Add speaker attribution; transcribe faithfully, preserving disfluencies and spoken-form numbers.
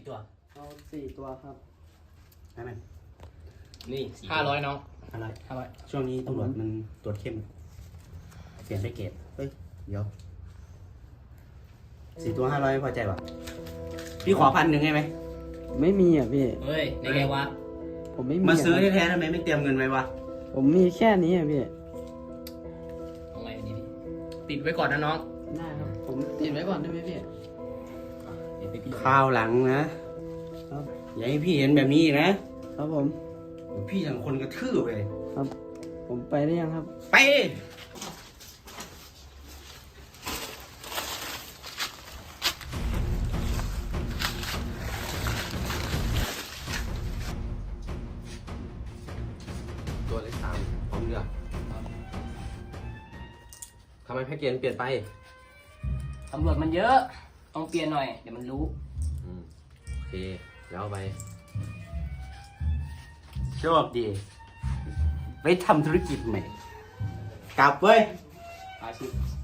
Speaker 1: ตัว
Speaker 2: เอาสี่ตัวครับได้ไหม
Speaker 1: นี่ห้าร้อยน้อง
Speaker 2: อะไร
Speaker 1: ห้าร้อย
Speaker 2: ช่วงนี้ตำรวจมันตรวจเข้ม เปลี่ยนได้เกรดเฮ้ย เดี๋ยวสี่ตัวห้าร้อยพอใจป่ะพี่ขอพันหนึ่งได้ไหม
Speaker 3: ไม่มีอ่ะพี่
Speaker 1: เฮ้ยในไงวะ
Speaker 3: ผมไม่มี
Speaker 2: มาซื้อ
Speaker 3: อะ
Speaker 2: แท้ๆทำไมไม่เตรียมเงินไว้วะ
Speaker 3: ผมมีแค่นี้อ่ะพี่
Speaker 1: เอาไงดีติดไว้ก่อนนะน้อง
Speaker 3: ได้ครับ ผมติดไว้ก่อนได้ไหมพี่
Speaker 1: เดี๋ยวไปพี่
Speaker 2: ข้าวหลังนะครับ อย่าให้พี่เห็นแบบนี้อีกนะครับ
Speaker 3: ผม
Speaker 2: เดี๋ยวพี่อย่างคนกระทืบเลย
Speaker 3: ครับ ผมไปได้ยังครับ
Speaker 2: ไปตัวเลขสามพร้อมเลือกทำไมแพ็กเกจเปลี่ยนไป
Speaker 1: ตำรวจมันเยอะต้องเปลี่ยนหน่อยเดี๋ยวมันรู้
Speaker 2: อืมโอเค แล้วไปโชคดีไปทำธุรกิจใหม่ กลับเว้ย
Speaker 1: อาชีพ